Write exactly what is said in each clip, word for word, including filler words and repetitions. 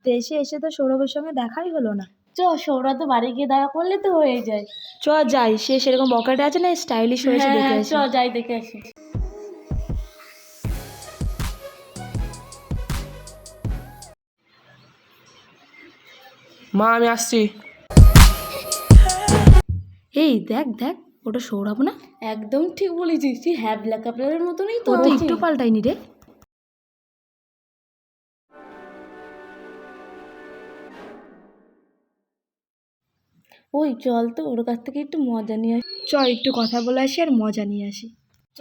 দেশে এসে তো সৌরভের সঙ্গে দেখাই হলো না। চ সৌরভ তো বাড়ি গিয়ে দেখা করলে তো হয়ে যায়। চ যাই, সে সেরকম পকেটে আছে না, স্টাইলিশ হয়েছে, দেখে হ্যাঁ আসি। চ যাই দেখে আসি। মা আমি আসছি। এই দেখ দেখ, ওটা সৌরভ না? একদম ঠিক বলেছিস, তুই হ্যাঁ ব্ল্যাক কাপড়ের মতনই তো ও তো আছে। একটু পাল্টাইনি রে। ওই চল তো ওর কাছ থেকে একটু মজা নিয়ে আসি। চ একটু কথা বলে আসি আর মজা নিয়ে আসি। চ।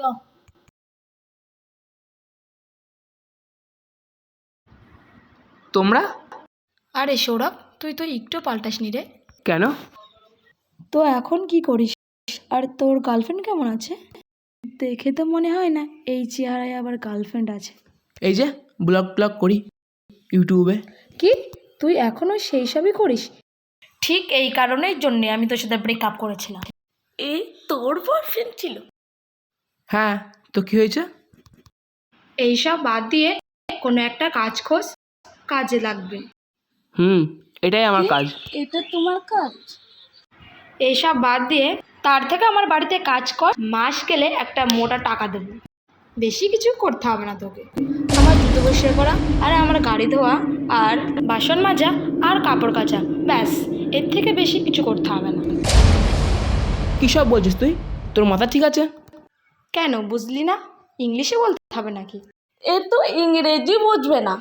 তোমরা? আরে সৌরভ, তুই তো একটু পাল্টাসনি রে। কেন? তো এখন কি করিস? আর তোর গার্লফ্রেন্ড কেমন আছে? দেখে তো মনে হয় না এই চেহারায় আবার গার্লফ্রেন্ড আছে। এই যে ব্লগ ব্লগ করি ইউটিউবে। কি, তুই এখনো সেই সবই করিস? ঠিক এই কারণের জন্যে আমি তোর সাথে ব্রেকআপ করেছিলাম। এই তোর বয়ফ্রেন্ড ছিল? হ্যাঁ, তো কি হয়েছে? এইসব বাদ দিয়ে কোনো একটা কাজ খোঁজ, কাজে লাগবে। হুম, এটাই আমার কাজ। এটা তোমার কাজ? এইসব বাদ দিয়ে তার থেকে আমার বাড়িতে কাজ কর, মাস গেলে একটা মোটা টাকা দেবো। বেশি কিছু করতে হবে না তোকে। আমার জুতো পরিষ্কার করা আর আমার গাড়ি ধোয়া আর বাসন মাজা আর কাপড় কাচা, ব্যাস। এর থেকে বেশি কিছু করতে হবে না। কী সব বলছিস তুই? তোর মাথা ঠিক আছে? কেন বুঝলি না? ইংলিশে বলতে হবে নাকি? এ তো ইংরেজি বুঝবে না।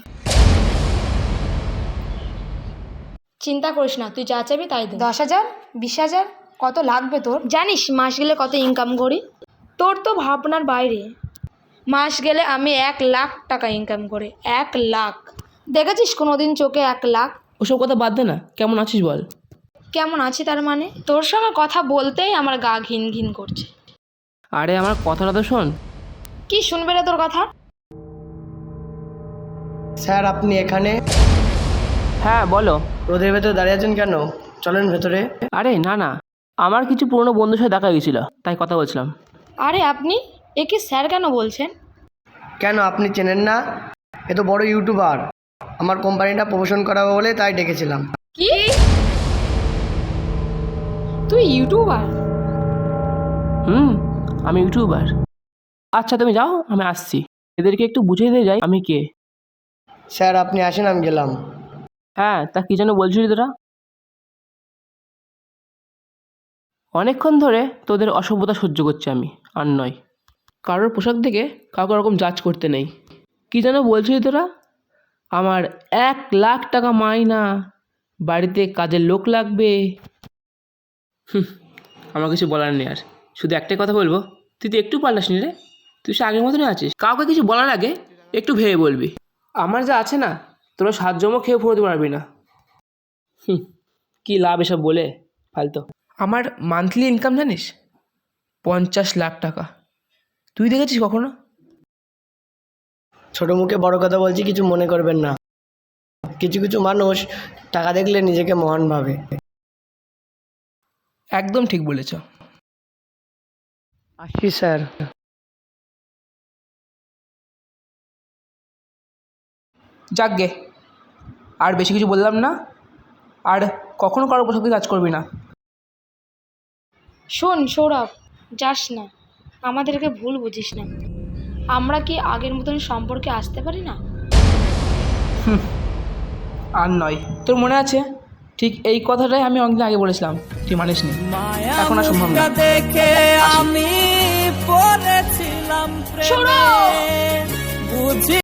চিন্তা করিস না, তুই যা চাইবি তাই দে। দশ হাজার, বিশ হাজার, কত লাগবে তোর? জানিস মাস গেলে কত ইনকাম করি? তোর তো ভাবনার বাইরে। মাস গেলে আমি এক লাখ টাকা ইনকাম করি। এক লাখ! দেখেছিস কোনোদিন চোখে এক লাখ? ওসব কথা বাদ দে না, কেমন আছিস বল? কেমন আছি তার মানে? তোর সঙ্গে কথা বলতেই আমার গা ঘিন ঘিন করছে। আরে আমার কথাটা তো শোন। কি শুনবে রে তোর কথা? স্যার আপনি এখানে? হ্যাঁ বলো। রোদের ভেতরে দাঁড়িয়ে আছেন কেন? চলেন ভেতরে। আরে না না, আমার কিছু পুরনো বন্ধুর সাথে দেখা গেছিলো, তাই কথা বলছিলাম। আরে আপনি একে স্যার কেন বলছেন? কেন আপনি চেনেন না? এ তো বড় ইউটিউবার, আমার কোম্পানিটা প্রমোশন করাবো বলে তাই ডেকেছিলাম। কি? তুই ইউটিউবার? হুম, আমি ইউটিউবার। আচ্ছা তুমি যাও, আমি আসছি। এদেরকে একটু বুঝিয়ে দিয়ে যাই আমি কে। স্যার আপনি আসেন, আমি গেলাম। হ্যাঁ, তা কী যেন বলছিলি তোরা? অনেকক্ষণ ধরে তোদের অসভ্যতা সহ্য করছি আমি, আর নয়। কারোর পোশাক দেখে কাউকে ওরকম জাজ করতে নেই। কী যেন বলছিলি তোরা? আমার এক লাখ টাকা মাইনা, বাড়িতে কাজের লোক লাগবে। হুম, আমার কিছু বলার নেই আর। শুধু একটাই কথা বলবো, তুই তো একটু পাল্টাসনি রে। তুই সে আগের মতনই আছিস। কাউকে কিছু বলার আগে একটু ভেবে বলবি। আমার যা আছে না, তোরা সাত জমও খেয়ে ফুরোতে পারবি না। হুম, কী লাভ এসব বলে, ফালতু। আমার মান্থলি ইনকাম জানিস? পঞ্চাশ লাখ টাকা। তুই দেখেছিস কখনো? ছোট মুখে বড় কথা বলছি, কিছু মনে করবেন না। কিছু কিছু মানুষ টাকা দেখলে নিজেকে মহান ভাবে। একদম ঠিক বলেছ। আসছি স্যার। যাকগে, আর বেশি কিছু বললাম না। আর কখনো কারোর পোশাকে কাজ করবি না। শোন সৌরভ, যাস না, আমাদেরকে ভুল বুঝিস না। আমরা কি আগের মতন সম্পর্কে আসতে পারি না? হুম, আর নয়। তোর মনে আছে ঠিক এই কথাটাই আমি অনেকদিন আগে বলেছিলাম, তুই মানিস নি। এখন আর সম্ভব না। দেখে আমি পড়েছিলাম প্রেমে, বুঝি